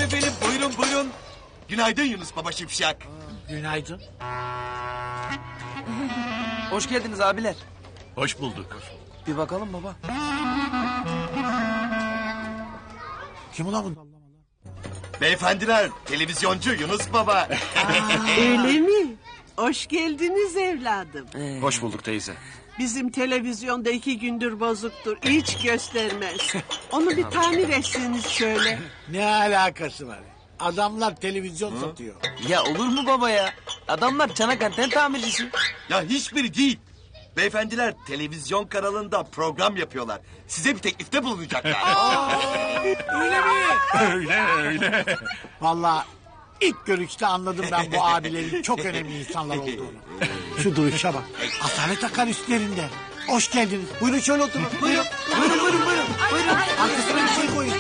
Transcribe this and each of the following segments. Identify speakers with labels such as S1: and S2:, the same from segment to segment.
S1: efendim, buyurun buyurun. Günaydın Yunus Baba Şipşak.
S2: Günaydın.
S3: Hoş geldiniz abiler.
S4: Hoş bulduk.
S3: Bir bakalım baba.
S2: Kim ulan bu?
S1: Beyefendiler, televizyoncu Yunus Baba.
S5: Öyle mi? Hoş geldiniz evladım.
S4: Hoş bulduk teyze.
S5: Bizim televizyonda 2 gündür bozuktur. Hiç göstermez. Onu bir tamir etsiniz şöyle.
S2: Ne alakası var? Adamlar televizyon satıyor.
S3: Ya olur mu baba ya? Adamlar çanak anten tamircisi.
S1: Ya hiçbiri değil. Beyefendiler televizyon kanalında program yapıyorlar. Size bir teklifte bulunacaklar.
S2: Öyle mi?
S4: Öyle.
S2: Vallahi ilk görüşte anladım ben bu abilerin çok önemli insanlar olduğunu. Şu duruşa bak. Asalet akar üstlerinde. Hoş geldiniz. Buyurun şöyle oturun. Buyurun. Buyurun. Arkasına bir şey koyun.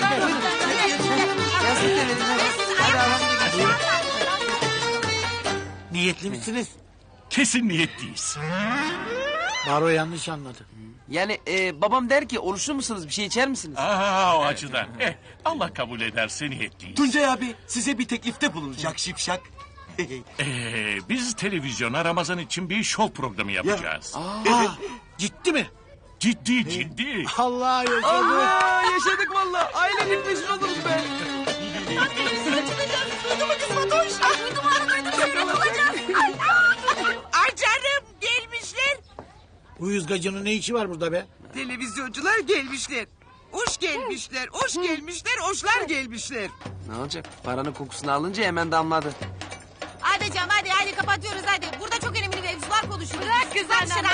S2: Niyetli misiniz?
S4: Kesin niyetliyiz.
S2: Baro yanlış anladı.
S3: Yani babam der ki oruçlu musunuz bir şey içer misiniz?
S4: Aha o açıdan. Allah kabul ederse niyetliyiz.
S1: Tuncay abi size bir teklifte bulunacak Şipşak.
S4: Biz televizyona Ramazan için bir şov programı yapacağız.
S2: Ciddi mi?
S4: Ciddi.
S2: Allah yaşadı.
S3: Aa, yaşadık valla. Ailenin meşhur oluruz be.
S6: Ay canım gelmişler.
S2: Uyuz gacının ne işi var burada be?
S6: Televizyoncular gelmişler. Hoş gelmişler, hoş gelmişler, hoşlar gelmişler.
S3: Ne olacak? Paranın kokusunu alınca hemen damladı.
S7: Hadi canım hadi kapatıyoruz hadi. Burada çok önemli mevzular konuşuyoruz. Bırak kız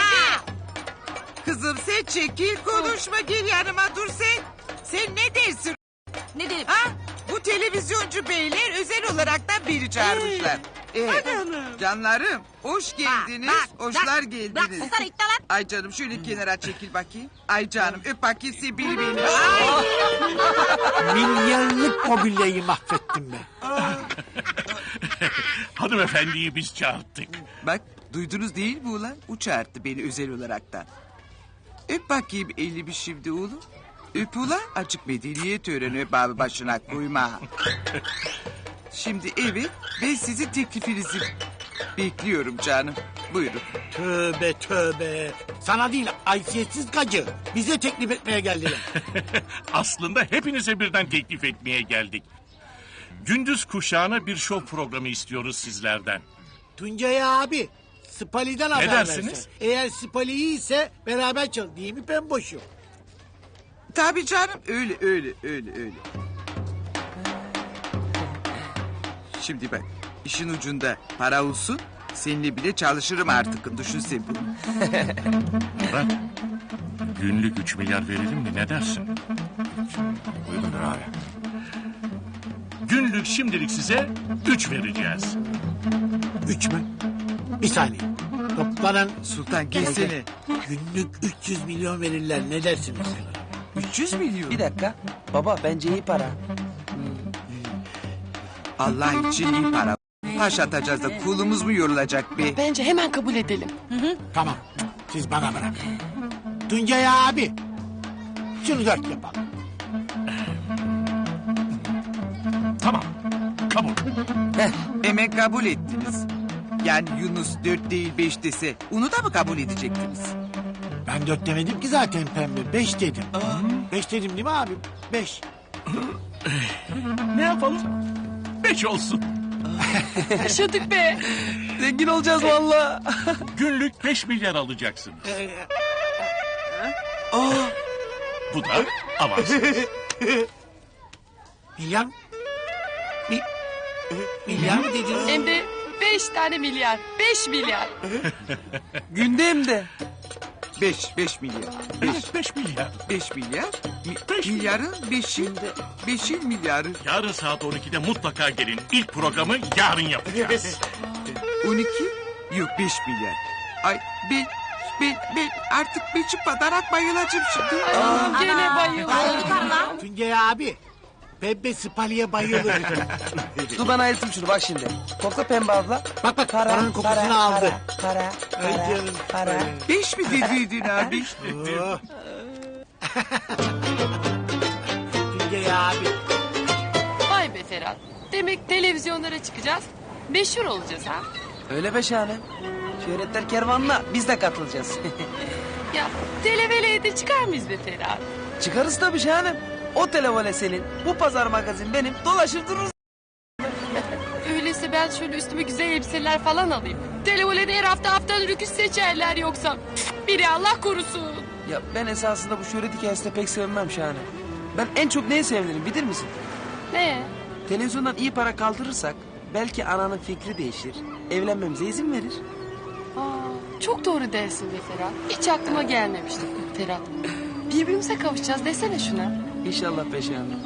S6: Kızım sen çekil konuşma gel yanıma dur sen. Sen ne dersin?
S7: Ne dedim?
S6: Ha? Bu televizyoncu beyler özel olaraktan beni çağırmışlar. Canlarım hoş geldiniz, hoşlar
S7: Bırak
S6: geldiniz.
S7: susana itti lan.
S6: Ay canım şöyle kenara çekil bakayım. Ay canım öp bakayım sen beni.
S2: Milyarlık mobilyayı mahvettim be.
S4: Hanımefendiyi biz çağırttık.
S6: Bak duydunuz değil mi ulan? O çağırdı beni özel olaraktan. Öp bakayım elini bir şimdi oğlum. Öp ulan açık medeniyet öğreni öp abi başına koyma. Şimdi evet ben sizin teklifinizi bekliyorum canım. Buyurun.
S2: Tövbe. Sana değil haysiyetsiz gacı. Bize teklif etmeye geldiler.
S4: Aslında hepinize birden teklif etmeye geldik. Gündüz kuşağına bir şov programı istiyoruz sizlerden.
S2: Tuncay abi Spali'den haber
S4: dersiniz?
S2: verse. Eğer Spali iyiyse beraber çal. Değil mi pemboşum?
S6: Tabii canım öyle. Şimdi bak işin ucunda para olsun. Seninle bile çalışırım artık. Düşün sen bunu.
S4: Murat, günlük 3 milyar verelim mi ne dersin?
S1: Buyurun abi.
S4: Günlük şimdilik size 3 vereceğiz.
S2: 3 mü? Bir saniye. Toplanan
S6: Sultan gelsene.
S2: günlük 300 milyon verirler. Ne dersiniz?
S6: 300 milyon.
S3: Bir dakika. Baba bence iyi para.
S6: Allah için iyi para. Taş atacağız da kulumuz mu yorulacak be?
S8: Bence hemen kabul edelim.
S2: Tamam. Siz bana bırakın. Tuncay abi. Şunu 4 yapalım.
S4: Tamam, kabul.
S6: Hemen kabul ettiniz. Yani Yunus 4 değil 5 dese onu da mı kabul edecektiniz?
S2: Ben 4 demedim ki zaten pembe. 5 dedim. 5 dedim değil mi abi? 5.
S4: Ne yapalım? 5 olsun.
S8: Yaşadık be.
S3: Zengin olacağız valla.
S4: Günlük 5 milyar alacaksınız. Bu da avans.
S2: Milyar mı? Milyar mı dediniz?
S8: Hem de 5 tane milyar. 5 milyar.
S3: Günde hem de.
S6: 5 milyar.
S4: 5 milyar.
S6: 5 milyar.
S4: Beş
S6: Milyarın 5'in milyarı.
S4: Yarın saat 12'de mutlaka gelin. İlk programı yarın yapacağız.
S6: 12 yok 5 milyar. Ay ben artık beçip badarak bayılacağım şimdi.
S8: Gene bayıldım.
S2: Tuncay abi. Pembe Spali'ye bayılır.
S3: Dur ben ayırtayım şunu bak şimdi. Kokla pembe abla.
S2: Bak paranın kokusunu aldı. Ay canım.
S3: Para.
S6: 5 mi dediydin abi?
S2: Oh. Tuncay abi.
S8: Vay be Demek televizyonlara çıkacağız. Meşhur olacağız ha.
S3: Öyle be Şahanem. Şöhretler kervanına biz de katılacağız.
S8: Ya televeleye de çıkar mıyız be Ferhat?
S3: Çıkarız tabii Şahanem. O televole senin, bu pazar magazin benim. Dolaşır dururuz.
S8: Öyleyse ben şöyle üstüme güzel elbiseler falan alayım. Televolede her hafta haftanın rüküs seçerler yoksa. Biri Allah korusun.
S3: Ya ben esasında bu şöhret hikayesini pek sevmem Şahanem. Ben en çok neye sevinirim bilir misin?
S8: Ne?
S3: Televizyondan iyi para kaldırırsak belki ananın fikri değişir. Evlenmemize izin verir.
S8: Aa, çok doğru dersin be Ferhat. Hiç aklıma gelmemişti Ferhat. Birbirimize kavuşacağız desene şuna.
S3: İnşallah be Şahanem.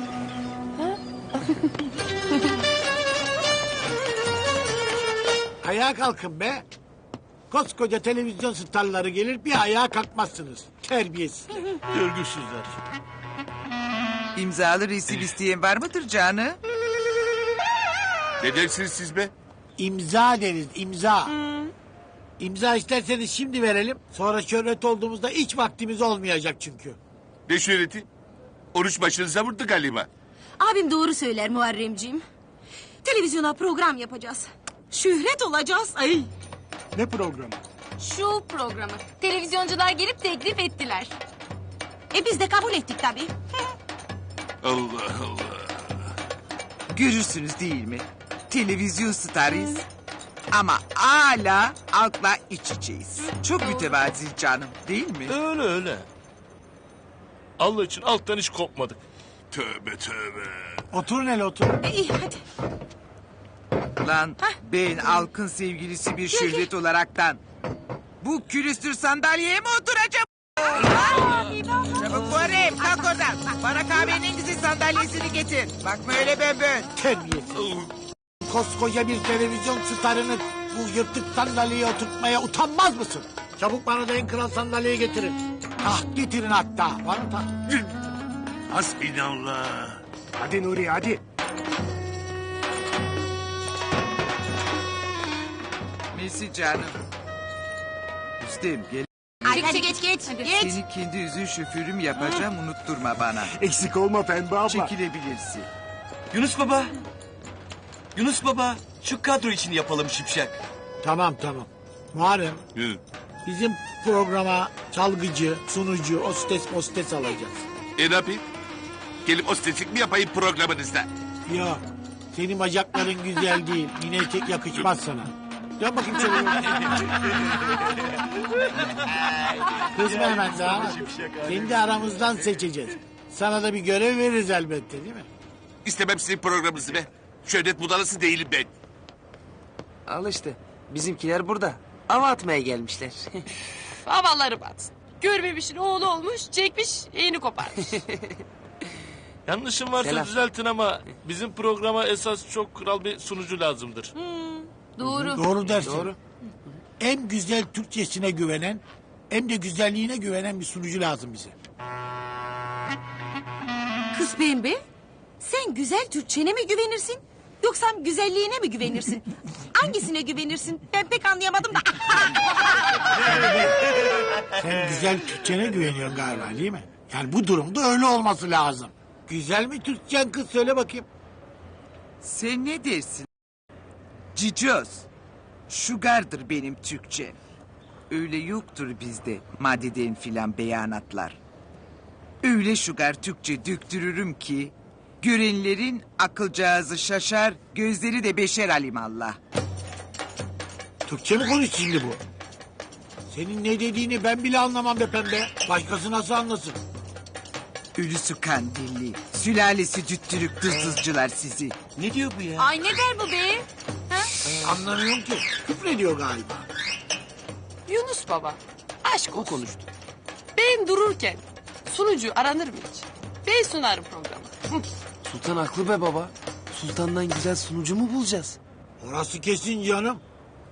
S2: Ayağa kalkın be. Koskoca televizyon starları gelir bir ayağa kalkmazsınız. Terbiyesizler.
S1: Görgüsüzler.
S6: İmzalı resim isteyen var mıdır canı?
S9: Ne dersiniz siz be?
S2: İmza deriz imza. İmza isterseniz şimdi verelim. Sonra şöhret olduğumuzda hiç vaktimiz olmayacak çünkü.
S9: Ne şöhreti? Oruç başınıza vurdu galiba.
S7: Abim doğru söyler Muharremciğim. Televizyona program yapacağız. Şöhret olacağız. Ay.
S2: Ne programı?
S7: Şu programı. Televizyoncular gelip teklif ettiler. Biz de kabul ettik tabii.
S9: Allah Allah.
S6: Görürsünüz değil mi? Televizyon starıyız. Ama hala halkla iç içeyiz. Çok mütevazi canım değil mi?
S4: Öyle öyle. Allah için alttan hiç kopmadık.
S9: Tövbe tövbe.
S2: Oturun hele oturun.
S7: İyi hadi.
S6: Lan ben halkın sevgilisi bir şöhret olaraktan bu külüstür sandalyeye mi oturacağım? Çabuk Muharrem kalk oradan. Bana kahvenin en güzel sandalyesini getir. Bakma öyle bön.
S2: Terbiyesiz. Koskoca bir televizyon starını bu yırtık sandalyeye oturtmaya utanmaz mısın? Çabuk bana da en kral sandalyeyi getirin. Taht getirin hatta. Var mı taht?
S9: Hasbinallah.
S2: Hadi Nuri hadi.
S6: Mesih canım. Üstem gel.
S7: Hadi geç. Geç.
S6: Seni kendi üzün şoförüm yapacağım unutturma bana.
S2: Eksik olma Pembe abla.
S6: Çekilebilirsin.
S1: Yunus Baba. Yunus Baba. Şu kadro için yapalım şipşak.
S2: Tamam. Muharrem
S9: Hı.
S2: bizim programa çalgıcı, sunucu, hostes alacağız.
S9: Ne yapayım? Gelip ostesik mi yapayım programınızda?
S2: Yok. Senin bacakların güzel değil. Yine erkek yakışmaz sana. Dön bakayım şöyle. Kızma hemen daha. Kendi aramızdan seçeceğiz. Sana da bir görev veririz elbette değil mi?
S9: İstemem sizin programınızı be. Şöhret budalısı değilim ben.
S3: Al işte. Bizimkiler burada. Hava atmaya gelmişler.
S8: Havaları batsın. Görmemişin oğlu olmuş, çekmiş, eğini koparmış.
S4: Yanlışım varsa
S3: Selam.
S4: düzeltin ama bizim programa esas çok kral bir sunucu lazımdır.
S2: Doğru dersin.
S3: Doğru.
S2: Hem güzel Türkçesine güvenen hem de güzelliğine güvenen bir sunucu lazım bize.
S7: Kız Pembe, sen güzel Türkçene mi güvenirsin? Yoksa güzelliğine mi güvenirsin? Hangisine güvenirsin? Ben pek anlayamadım da.
S2: Sen güzel Türkçene güveniyorsun galiba değil mi? Yani bu durumda öyle olması lazım. Güzel mi Türkçen kız söyle bakayım.
S6: Sen ne dersin? Cicoz. Şugardır benim Türkçe. Öyle yoktur bizde maddeden filan beyanatlar. Öyle şugar Türkçe döktürürüm ki... ...görenlerin akılcağızı şaşar, gözleri de beşer alimallah.
S2: Türkçe mi konuş şimdi bu? Senin ne dediğini ben bile anlamam be Pembe. Başkası nasıl anlasın?
S6: Ölüsü kandilli, sülalesi cüttürük dızcılar sizi.
S1: Ne diyor bu ya?
S7: Ay ne der bu be?
S2: Anlamıyorum ki. Küfrediyor galiba.
S8: Yunus baba, aşk o konuştu. Ben dururken sunucu aranır mı hiç? Ben sunarım programı.
S3: Sultan haklı be baba. Sultandan güzel sunucu mu bulacağız?
S2: Orası kesin canım.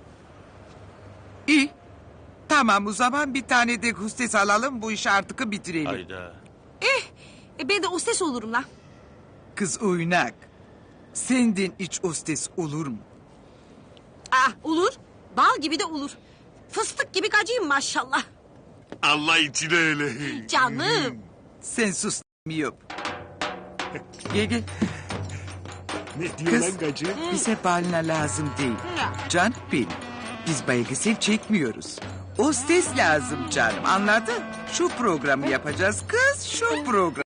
S6: İyi. Tamam o zaman bir tane de hostes alalım bu işi artık bitirelim.
S4: Hayda.
S7: Ben de hostes olurum lan.
S6: Kız oynak. Senden iç hostes olur mu?
S7: Olur. Bal gibi de olur. Fıstık gibi gacıyım maşallah.
S9: Allah için öyle.
S7: Canım.
S6: Sen sus miyop. Gel. Kız bize balina lazım değil. Can benim. Biz belgesel çekmiyoruz. Hostes lazım canım, anladın? Şu programı yapacağız kız, şu program.